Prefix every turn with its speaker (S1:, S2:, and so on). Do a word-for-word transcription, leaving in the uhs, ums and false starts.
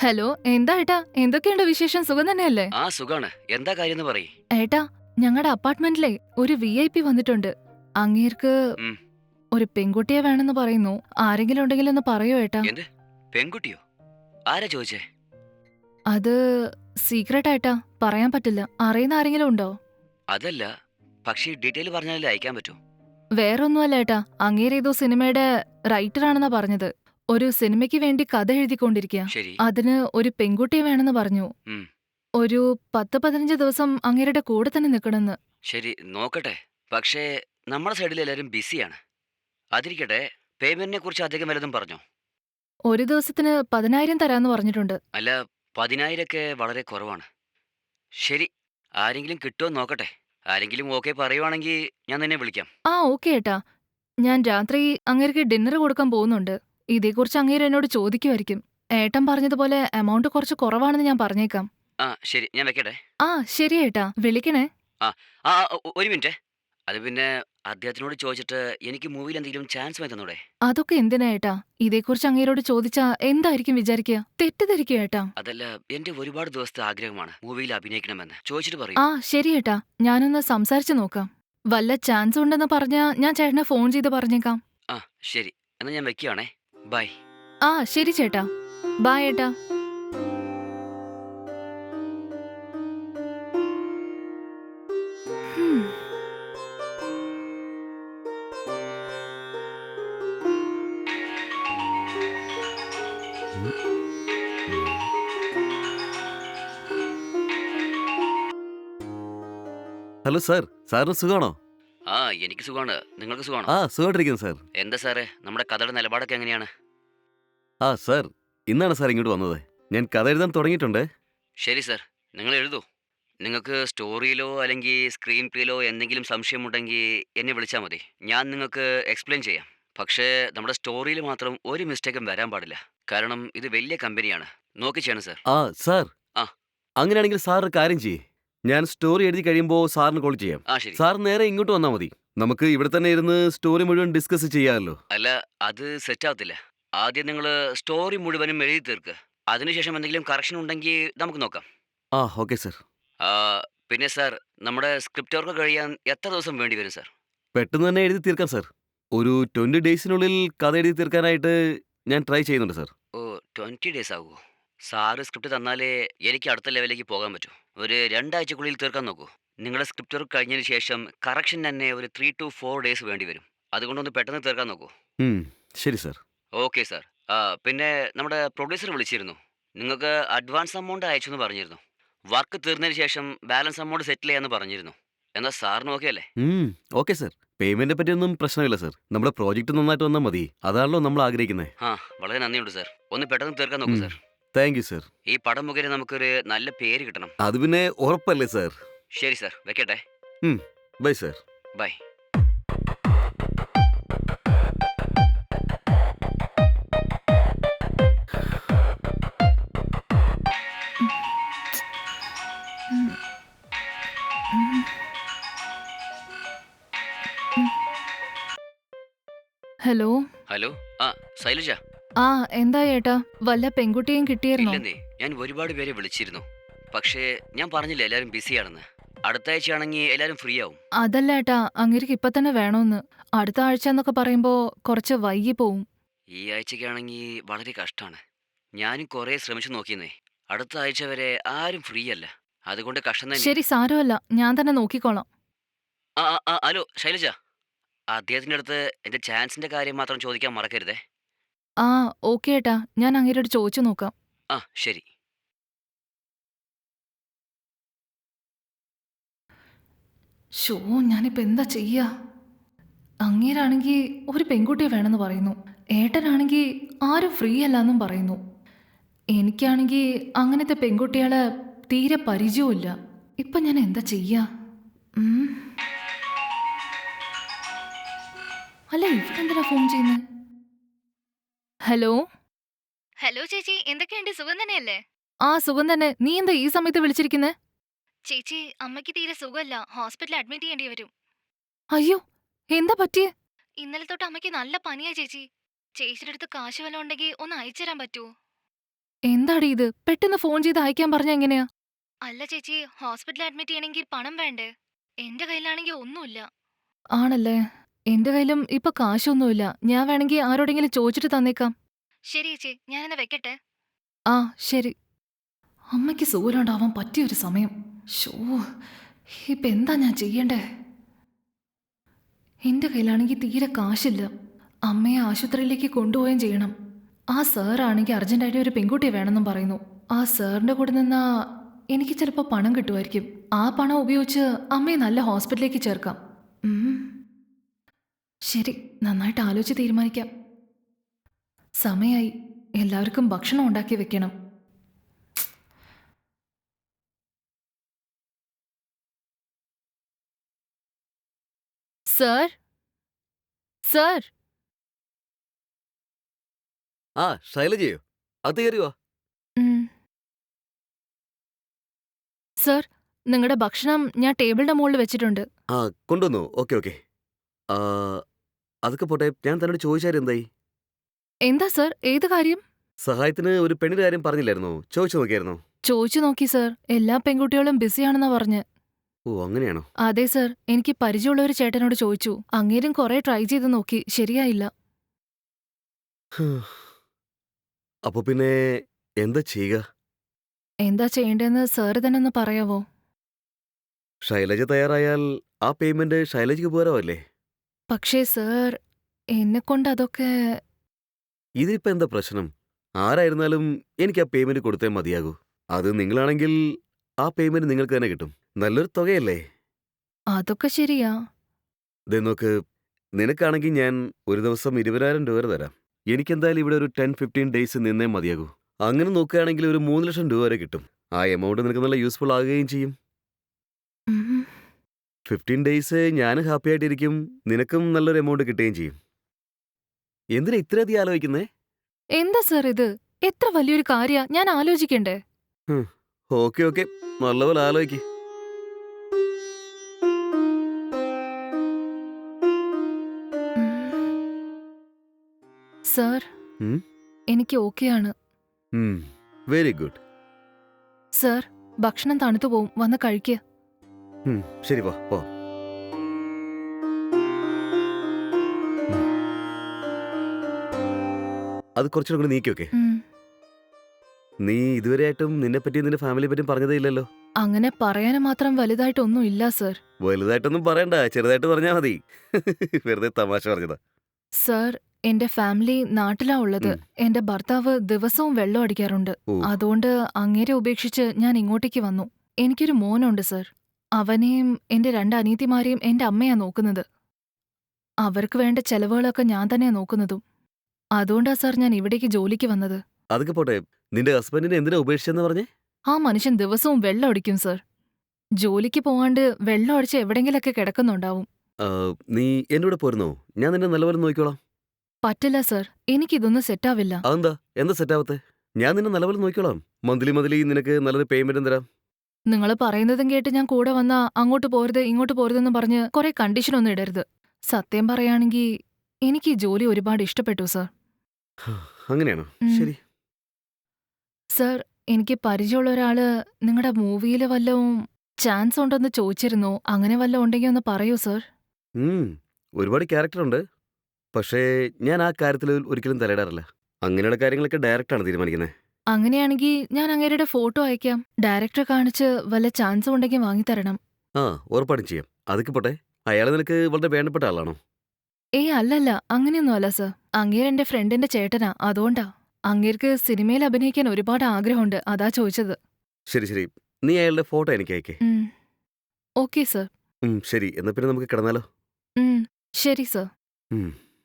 S1: Hello, എന്താ ഏട്ടാ? എന്തൊക്കെയുണ്ട് വിശേഷം? സുഖം തന്നെയല്ലേ?
S2: ആ സുഖാണ്. എന്താ കാര്യന്ന് പറയ്.
S1: ഏട്ടാ, ഞങ്ങടെ അപ്പാർട്ട്മെന്റിലെ ഒരു വി ഐ പി വന്നിട്ടുണ്ട്. അങ്ങേർക്ക്
S2: ഉം.
S1: ഒരു പെൺകുട്ടിയെ വേണമെന്ന് പറയുന്നു. ആരെങ്കിലും ഉണ്ടെങ്കിലൊന്ന് പറയോ ഏട്ടാ?
S2: എന്ത്? പെൺകുട്ടിയോ? ആരാ ചോദിച്ചേ?
S1: അത് സീക്രട്ടാ ഏട്ടാ. പറയാൻ പറ്റില്ല. അറിയുന്ന ആരെങ്കിലും ഉണ്ടോ?
S2: അതല്ല. പക്ഷേ ഡീറ്റെയിൽ പറഞ്ഞാലല്ലേ അയക്കാൻ പറ്റൂ.
S1: വേറൊന്നുമല്ല ഏട്ടാ. അങ്ങേരേതോ സിനിമയുടെ റൈറ്ററാണെന്നാ പറഞ്ഞത്. ഒരു സിനിമയ്ക്ക് വേണ്ടി കഥ എഴുതിക്കൊണ്ടിരിക്കുക.
S2: ശരി.
S1: അതിന് ഒരു പെൺകുട്ടിയെ വേണമെന്ന് പറഞ്ഞു.
S2: ഉം.
S1: ഒരു പത്ത് പതിനഞ്ച് ദിവസം അങ്ങേരുടെ കൂടെ തന്നെ നിൽക്കണമെന്ന്.
S2: ശരി, നോക്കട്ടെ. പക്ഷേ നമ്മുടെ സൈഡിൽ എല്ലാവരും ബിസിയാണ്. അതിരിക്കട്ടെ, പേയ്മെന്റിനെ കുറിച്ച് അധികം വല്ലതും പറഞ്ഞോ?
S1: ഒരു ദിവസത്തിന് പതിനായിരം തരാന്ന് പറഞ്ഞിട്ടുണ്ട്.
S2: അല്ല, പതിനായിരമൊക്കെ വളരെ കുറവാണ്. ശരി, ആരെങ്കിലും കിട്ടുമോ നോക്കട്ടെ. ആരെങ്കിലും ഓക്കെ പറയുവാണെങ്കിൽ ഞാൻ നിന്നെ വിളിക്കാം.
S1: ആ ഓക്കെ ഏട്ടാ. ഞാൻ രാത്രി അങ്ങേർക്ക് ഡിന്നർ കൊടുക്കാൻ പോകുന്നുണ്ട്. ഇതേക്കുറിച്ച് അങ്ങേര് എന്നോട് ചോദിക്കുമായിരിക്കും. ഏട്ടൻ പറഞ്ഞതുപോലെ എമൗണ്ട് കുറച്ച് കുറവാണെന്ന് ഞാൻ പറഞ്ഞേക്കാം.
S2: ആ ശരി, ഞാൻ വെക്കട്ടെ.
S1: ആ ശരി ഏട്ടാ. വിളിക്കണേ.
S2: ആ ആ ആ, ഒ- ഒരു മിനിറ്റ്. അത് പിന്നെ അദ്ദേഹത്തിനോട് ചോദിച്ചിട്ട് എനിക്ക് മൂവിയിൽ എന്തെങ്കിലും ചാൻസ് വാങ്ങി തന്നൂടെ?
S1: അതൊക്കെ എന്തിനാ ഏട്ടാ? ഇതേക്കുറിച്ച് അങ്ങേരോട് ചോദിച്ചാ എന്തായിരിക്കും വിചാരിക്കുക? തെറ്റിദ്ധരിക്കുക ഏട്ടാ.
S2: അതല്ല, എന്റെ ഒരുപാട് ദിവസത്തെ ആഗ്രഹമാണ് മൂവിയിൽ അഭിനയിക്കണമെന്ന്. ചോദിച്ചിട്ട് പറയൂ.
S1: ആ ശരി ഏട്ടാ. ഞാനൊന്ന് സംസാരിച്ചു നോക്കാം. വല്ല ചാൻസ് ഉണ്ടെന്ന് പറഞ്ഞാ ഞാൻ ചേട്ടനെ ഫോൺ ചെയ്ത് പറഞ്ഞേക്കാം.
S2: ആ ശരി, എന്നാ ഞാൻ വെക്കുകയാണേ. ബൈ.
S1: ആ ശരി ചേട്ടാ. ബായ് ഏട്ടാ. ഹും.
S3: ഉം, ഉം. ഹലോ സാർ, സാറിന് സുഖമാണോ?
S2: ആ എനിക്ക് സുഖമാണ്. നിങ്ങൾക്ക് സുഖമാണോ?
S3: ആ സുഖമായിട്ടിരിക്കുന്നു സാർ.
S2: എന്താ സാറേ, നമ്മുടെ കഥയുടെ നിലപാടൊക്കെ എങ്ങനെയാണ്?
S3: ആ സാർ, ഇന്നാണ് സാർ ഇങ്ങോട്ട് വന്നത്. ഞാൻ കഥ എഴുതാൻ തുടങ്ങിയിട്ടുണ്ട്.
S2: ശരി സാർ, നിങ്ങൾ എഴുതൂ. നിങ്ങൾക്ക് സ്റ്റോറിയിലോ അല്ലെങ്കിൽ സ്ക്രീൻ പ്ലേയിലോ എന്തെങ്കിലും സംശയമുണ്ടെങ്കിൽ എന്നെ വിളിച്ചാൽ മതി. ഞാൻ നിങ്ങൾക്ക് എക്സ്പ്ലെയിൻ ചെയ്യാം. പക്ഷേ നമ്മുടെ സ്റ്റോറിയിൽ മാത്രം ഒരു മിസ്റ്റേക്കും വരാൻ പാടില്ല. കാരണം ഇത് വലിയ കമ്പനിയാണ്. നോക്കി ചെയ്യണം സാർ.
S3: ആ സാർ,
S2: ആ
S3: അങ്ങനെയാണെങ്കിൽ സാർ ഒരു കാര്യം ചെയ്യേ. ഞാൻ സ്റ്റോറി എഴുതി കഴിയുമ്പോൾ സാറിന് കോൾ ചെയ്യാം.
S2: ആ ശരി.
S3: സാർ നേരെ ഇങ്ങോട്ട് വന്നാൽ മതി. നമുക്ക് ഇവിടെ തന്നെ ഇരുന്ന് സ്റ്റോറി മുഴുവൻ ഡിസ്കസ് ചെയ്യാമല്ലോ.
S2: അല്ല, അത് സെറ്റ് ആവത്തില്ല. ആദ്യം നിങ്ങൾ സ്റ്റോറി മുഴുവനും എഴുതി തീർക്ക്. അതിനുശേഷം എന്തെങ്കിലും കറക്ഷൻ ഉണ്ടെങ്കിൽ നമുക്ക് നോക്കാം.
S3: ആ ഓക്കെ സാർ.
S2: ആ, പിന്നെ സാർ, നമ്മുടെ സ്ക്രിപ്റ്റ് വർക്ക് കഴിയാൻ എത്ര ദിവസം വേണ്ടി വരും സാർ?
S3: പെട്ടെന്ന് തന്നെ എഴുതി തീർക്കാം സാർ. ഒരു ട്വൻറ്റി ഡേയ്സിനുള്ളിൽ കഥ എഴുതി തീർക്കാനായിട്ട് ഞാൻ ട്രൈ ചെയ്യുന്നുണ്ട് സാർ.
S2: ഓ, ട്വൻറ്റി ഡേയ്സ് ആകുമോ? സാറ് സ്ക്രിപ്റ്റ് തന്നാലേ എനിക്ക് അടുത്ത ലെവലിലേക്ക് പോകാൻ പറ്റൂ. ഒരു രണ്ടാഴ്ചക്കുള്ളിൽ തീർക്കാൻ നോക്കൂ. നിങ്ങളുടെ സ്ക്രിപ്റ്റ് വർക്ക് കഴിഞ്ഞതിന് ശേഷം കറക്ഷൻ തന്നെ ഒരു ത്രീ ടു ഫോർ ഡേയ്സ് വേണ്ടി വരും. അതുകൊണ്ടൊന്ന് പെട്ടെന്ന് തീർക്കാൻ നോക്കൂ.
S3: ഉം, ശരി സാർ.
S2: Okay sir. ആ, പിന്നെ നമ്മുടെ പ്രൊഡ്യൂസർ വിളിച്ചിരുന്നു. നിങ്ങൾക്ക് അഡ്വാൻസ് എമൗണ്ട് അയച്ചു എന്ന് പറഞ്ഞിരുന്നു. വർക്ക് തീർന്നതിന് ശേഷം ബാലൻസ് എമൗണ്ട് സെറ്റിൽ ചെയ്യാമെന്ന് പറഞ്ഞിരുന്നു. എന്നാൽ സാറിന് ഓക്കെ അല്ലേ?
S3: ഉം, ഓക്കെ സാർ. പേയ്മെന്റിനെ പറ്റിയൊന്നും പ്രശ്നമില്ല സാർ. നമ്മുടെ പ്രോജക്റ്റ് നന്നായിട്ട് വന്നാൽ മതി. അതാണല്ലോ നമ്മൾ ആഗ്രഹിക്കുന്നത്.
S2: ആ, വളരെ നന്ദിയുണ്ട് സാർ. ഒന്ന് പെട്ടെന്ന് തീർക്കാൻ നോക്കൂ സാർ.
S3: Thank you sir.
S2: ഈ പടം മുഖേന നമുക്കൊരു നല്ല പേര് കിട്ടണം.
S3: അത് പിന്നെ ഉറപ്പല്ലേ സാർ.
S2: ശരി സാർ, വെക്കട്ടെ.
S3: Bye sir.
S2: ബൈ.
S1: ഉം. ഉം. ഉം. ഹലോ.
S2: ഹലോ. ആ, ശൈലജ.
S1: ആ എന്താ ഏട്ടാ? വല്ല പെൺകുട്ടിയും കിട്ടിയിരുന്നോ?
S2: ഇല്ലെന്നേ, ഞാൻ ഒരുപാട് പേരെ വിളിച്ചിരുന്നു. പക്ഷേ ഞാൻ പറഞ്ഞില്ല എല്ലാവരും ബിസിയാണെന്ന്. അടുത്ത ആഴ്ചയാണെങ്കിൽ എല്ലാവരും ഫ്രീ ആവും.
S1: അതല്ല ഏട്ടാ, അങ്ങേർക്ക് ഇപ്പൊ തന്നെ വേണോന്ന്. അടുത്ത ആഴ്ച എന്നൊക്കെ പറയുമ്പോ കുറച്ച് വൈകി പോവും.
S2: ഈ ആഴ്ചക്കാണെങ്കിൽ വളരെ കഷ്ടമാണ്. ഞാനും കുറേ ശ്രമിച്ചു നോക്കിയെന്നേ. അടുത്ത ആഴ്ച വരെ ആരും ഫ്രീ അല്ല. അതുകൊണ്ട് കഷ്ടം തന്നെ.
S1: ശരി, സാരമല്ല. ഞാൻ തന്നെ നോക്കിക്കോളാം.
S2: ആ ആ, ആ, ഹലോ ശൈലജ. അദ്ദേഹത്തിൻ്റെ അടുത്ത് എൻ്റെ ചാൻസിൻ്റെ കാര്യം മാത്രം ചോദിക്കാൻ മറക്കരുതേ.
S1: ആ ഓക്കെ ഏട്ടാ. ഞാൻ അങ്ങേരോട് ചോദിച്ചു നോക്കാം.
S2: ആ ശരി.
S1: ഷോ, ഞാനിപ്പോ എന്താ ചെയ്യാ? അങ്ങേരാണെങ്കി ഒരു പെൺകുട്ടിയെ വേണമെന്ന് പറയുന്നു. ഏട്ടനാണെങ്കി ആരും ഫ്രീ അല്ലാന്നും പറയുന്നു. എനിക്കാണെങ്കി അങ്ങനത്തെ പെൺകുട്ടികളെ തീരെ പരിചയവുമില്ല. ഇപ്പൊ ഞാൻ എന്താ ചെയ്യാ? ഉം. അല്ല, ഇവരെന്തിനാ ഫോൺ ചെയ്യുന്നത്? ഹലോ.
S4: ഹലോ ചേച്ചി, എന്തൊക്കെയുണ്ട്? സുഖം തന്നെയല്ലേ?
S1: ആ സുഖം തന്നെ. നീ എന്താ ഈ സമയത്ത് വിളിച്ചിരിക്കുന്നെ?
S4: ചേച്ചി, അമ്മയ്ക്ക് തീരെ സുഖമല്ല. ഹോസ്പിറ്റലിൽ അഡ്മിറ്റ് ചെയ്യേണ്ടി വരും.
S1: അയ്യോ, എന്താ പറ്റിയേ?
S4: ഇന്നലെ തൊട്ട് അമ്മയ്ക്ക് നല്ല പനിയാ ചേച്ചി. ചേച്ചിയുടെ അടുത്ത് കാശ് വല്ലതും ഉണ്ടെങ്കിൽ ഒന്ന് അയച്ചുതരാൻ പറ്റുമോ?
S1: എന്താടി ഇത്? പെട്ടെന്ന് ഫോൺ ചെയ്ത് അയക്കാൻ പറഞ്ഞ എങ്ങനെയാ?
S4: അല്ല ചേച്ചി, ഹോസ്പിറ്റലിൽ അഡ്മിറ്റ് ചെയ്യണമെങ്കിൽ പണം വേണ്ടേ? എന്റെ കയ്യിലാണെങ്കിൽ ഒന്നുമില്ല.
S1: ആണല്ലേ? എന്റെ കയ്യിലും ഇപ്പൊ കാശൊന്നുമില്ല. ഞാൻ വേണമെങ്കിൽ ആരോടെങ്കിലും ചോദിച്ചിട്ട് തന്നേക്കാം.
S4: ശരി ചേച്ചി, ഞാനെന്നാ വെക്കട്ടെ.
S1: ആ ശരി. അമ്മയ്ക്ക് സുഖമില്ലാണ്ടാവാൻ പറ്റിയൊരു സമയം. ഷോ, ഇപ്പൊ എന്താ ഞാൻ ചെയ്യണ്ടേ? എന്റെ കയ്യിലാണെങ്കിൽ തീരെ കാശില്ല. അമ്മയെ ആശുപത്രിയിലേക്ക് കൊണ്ടുപോവുകയും ചെയ്യണം. ആ സാറാണെങ്കിൽ അർജന്റായിട്ട് ഒരു പെൺകുട്ടിയെ വേണമെന്നും പറയുന്നു. ആ സാറിന്റെ കൂടെ നിന്നാ എനിക്ക് ചിലപ്പോൾ പണം കിട്ടുമായിരിക്കും. ആ പണം ഉപയോഗിച്ച് അമ്മയെ നല്ല ഹോസ്പിറ്റലിലേക്ക് ചേർക്കാം. ഉം. ശരി, നന്നായിട്ട് ആലോചിച്ച് തീരുമാനിക്കാം. സമയായി. എല്ലാവർക്കും ഭക്ഷണം ഉണ്ടാക്കി വെക്കണം. സർ സർ
S3: ആ ശൈലജയോ? അത് കയറിയോ?
S1: ഉം. സർ, നിങ്ങളുടെ ഭക്ഷണം ഞാൻ ടേബിളിന്റെ മുകളിൽ വെച്ചിട്ടുണ്ട്.
S3: ആ കൊണ്ടുവന്നു. Okay okay. ആ അതൊക്കെ പോട്ടെ, ഞാൻ തന്നോട് ചോദിച്ചാലും എന്തായി?
S1: എന്താ സർ? ഏത് കാര്യം?
S3: സഹായത്തിന് ഒരു പെണ്ണിന്റെ കാര്യം പറഞ്ഞില്ലായിരുന്നോ? ചോദിച്ചു നോക്കിയായിരുന്നോ?
S1: ചോദിച്ചു നോക്കി സർ. എല്ലാ പെൺകുട്ടികളും ബിസിയാണെന്നാ പറഞ്ഞ്.
S3: ഓ അങ്ങനെയാണോ?
S1: അതെ സർ, എനിക്ക് പരിചയമുള്ള ഒരു ചേട്ടനോട് ചോദിച്ചു. അങ്ങേരും കുറെ ട്രൈ ചെയ്ത് നോക്കി, ശരിയായില്ല.
S3: ഹ്. അപ്പൊ പിന്നെ എന്താ ചെയ്യുക?
S1: എന്താ ചെയ്യേണ്ടതെന്ന് സാറ് തന്നെ ഒന്ന് പറയാവോ?
S3: ശൈലജ തയ്യാറായാൽ ആ പേയ്മെന്റ് ശൈലജയ്ക്ക് പോരാവല്ലേ?
S1: പക്ഷേ സർ, എന്നെ കൊണ്ട് അതൊക്കെ.
S3: ഇതിപ്പോ എന്താ പ്രശ്നം? ആരായിരുന്നാലും എനിക്ക് ആ പേയ്മെന്റ് കൊടുത്തേ മതിയാകൂ. അത് നിങ്ങളാണെങ്കിൽ ആ പേയ്മെന്റ് നിങ്ങൾക്ക് തന്നെ കിട്ടും. നല്ലൊരു തുകയല്ലേ?
S1: അതൊക്കെ ശരിയാ.
S3: ദേ നോക്ക്, നിനക്കാണെങ്കിൽ ഞാൻ ഒരു ദിവസം ഇരുപതിനായിരം രൂപ വരെ തരാം. എനിക്കെന്തായാലും ഇവിടെ ഒരു ടെൻ ഫിഫ്റ്റീൻ ഡേയ്സ് നിന്നേ മതിയാകൂ. അങ്ങനെ നോക്കുകയാണെങ്കിൽ ഒരു മൂന്ന് ലക്ഷം രൂപ വരെ കിട്ടും. ആ എമൗണ്ട് നിനക്ക് നല്ല യൂസ്ഫുൾ ആകുകയും ചെയ്യും.
S1: ഉം.
S3: ഫിഫ്റ്റീൻ ഡേയ്സ് ഞാനും ഹാപ്പി ആയിട്ടിരിക്കും, നിനക്കും നല്ലൊരു എമൗണ്ട് കിട്ടുകയും ചെയ്യും. എന്തിനാ ഇത്രയധികം ആലോചിക്കുന്നേ?
S1: എന്താ സർ ഇത്? എത്ര വലിയൊരു കാര്യാ, ഞാൻ ആലോചിക്കണ്ടേ?
S3: ഓക്കെ ഓക്കെ, നല്ലപോലെ ആലോചിക്ക്.
S1: സർ,
S3: ഉം?
S1: എനിക്ക് ഓക്കെയാണ്.
S3: Very good.
S1: സർ, ഭക്ഷണം തണുത്തു പോവും, വന്ന് കഴിക്കുക.
S3: ശരി വാ പോ. അത് കുറച്ചുകൂടെ കൂടി നീക്കി വെക്കേ.
S1: ഉം.
S3: നീ ഇതുവരെയായിട്ടും നിന്നെ പറ്റിയും നിന്റെ ഫാമിലിയെ പറ്റിയും പറഞ്ഞതേ ഇല്ലല്ലോ.
S1: അങ്ങനെ പറയാനും മാത്രം വലുതായിട്ടൊന്നും ഇല്ല സർ.
S3: വലുതായിട്ടൊന്നും പറയണ്ട, ചെറുതായിട്ട് പറഞ്ഞാ മതി. വെറുതെ തമാശ പറഞ്ഞതാ.
S1: സർ, എന്റെ ഫാമിലി നാട്ടിലാ ഉള്ളത്.
S3: ഉം.
S1: എന്റെ ഭർത്താവ് ദിവസവും വെള്ളം അടിക്കാറുണ്ട്.
S3: ഓ.
S1: അതുകൊണ്ട് അങ്ങേരെ ഉപേക്ഷിച്ച് ഞാൻ ഇങ്ങോട്ടേക്ക് വന്നു. എനിക്കൊരു മോനുണ്ട് സർ. അവനെയും എന്റെ രണ്ട് അനിയത്തിമാരെയും എന്റെ അമ്മയാ നോക്കുന്നത്. അവർക്ക് വേണ്ട ചെലവുകളൊക്കെ ഞാൻ തന്നെയാ നോക്കുന്നതും. അതുകൊണ്ടാ സർ ഞാൻ ഇവിടേക്ക് ജോലിക്ക് വന്നത്.
S3: അതൊക്കെ പോട്ടെ, നിന്റെ ഹസ്ബൻഡിനെ എന്തിനാ ഉപേക്ഷിച്ചെന്ന് പറഞ്ഞേ?
S1: ആ മനുഷ്യൻ ദിവസവും വെള്ളം അടിക്കും സർ. ജോലിക്ക് പോവാണ്ട് വെള്ളം അടിച്ച് എവിടെങ്കിലൊക്കെ കിടക്കുന്നുണ്ടാവും.
S3: ആ, നീ എന്റെ കൂടെ പോരുന്നോ? ഞാൻ നിന്നെ നല്ലപോലെ നോക്കിക്കോളാം.
S1: പറ്റില്ല സർ, എനിക്കിതൊന്നും സെറ്റാവില്ല.
S3: അതെന്താ? എന്താ സെറ്റാവത്തെ? ഞാൻ നിന്നെ നല്ലപോലെ നോക്കിക്കോളാം. മന്ത്ലി മന്ത്ലി നിനക്ക് നല്ലൊരു പേയ്മെന്റും തരാം.
S1: നിങ്ങൾ പറയുന്നതും കേട്ട് ഞാൻ കൂടെ വന്നാ അങ്ങോട്ട് പോരുത് ഇങ്ങോട്ട് പോരുതെന്ന് പറഞ്ഞ് കുറെ കണ്ടീഷനൊന്നും ഇടരുത്. സത്യം പറയാണെങ്കിൽ എനിക്ക് ഈ ജോലി ഒരുപാട് ഇഷ്ടപ്പെട്ടു സർ.
S3: അങ്ങനെയാണോ?
S1: ഉം.
S3: ശരി.
S1: സർ, എനിക്ക് പരിചയമുള്ള ഒരാള് നിങ്ങളുടെ മൂവിയിൽ വല്ലതും ചാൻസ് ഉണ്ടെന്ന് ചോദിച്ചിരുന്നു. അങ്ങനെ വല്ലതും ഉണ്ടെങ്കിൽ ഒന്ന് പറയൂ സർ.
S3: ഉം, ഒരുപാട് ക്യാരക്ടർ ഉണ്ട്. പക്ഷേ ഞാൻ ആ കാര്യത്തിൽ ഒരിക്കലും തലയിടാറില്ല. അങ്ങനെയുള്ള കാര്യങ്ങളൊക്കെ ഡയറക്റ്റാണ് തീരുമാനിക്കുന്നത്.
S1: അങ്ങനെയാണെങ്കിൽ ഞാൻ അങ്ങേരുടെ ഫോട്ടോ അയക്കാം. ഡയറക്ടറെ കാണിച്ച് വല്ല ചാൻസും ഉണ്ടെങ്കിൽ വാങ്ങിത്തരണം.
S3: ആ ഉറപ്പായിട്ടും ചെയ്യാം. അതൊക്കെ പോട്ടെ, അയാൾ നിനക്ക് വളരെ വേണ്ടപ്പെട്ട ആളാണോ?
S1: ഏയ് അല്ലല്ല, അങ്ങനെയൊന്നും അല്ല സർ. അങ്ങേര് എന്റെ ഫ്രണ്ടിന്റെ ചേട്ടനാ, അതുകൊണ്ടാ. അങ്ങേർക്ക് സിനിമയിൽ അഭിനയിക്കാൻ ഒരുപാട് ആഗ്രഹമുണ്ട്, അതാ ചോദിച്ചത്.
S3: ശരി ശരി, നീ അയാളുടെ ഫോട്ടോ എനിക്ക് അയക്കേ.
S1: ഉം. Okay sir.
S3: ഉം, ശരി, എന്നാ പിന്നെ നമുക്ക് കിടന്നാലോ?
S1: ഉം. ശരി സർ.
S3: ഉം.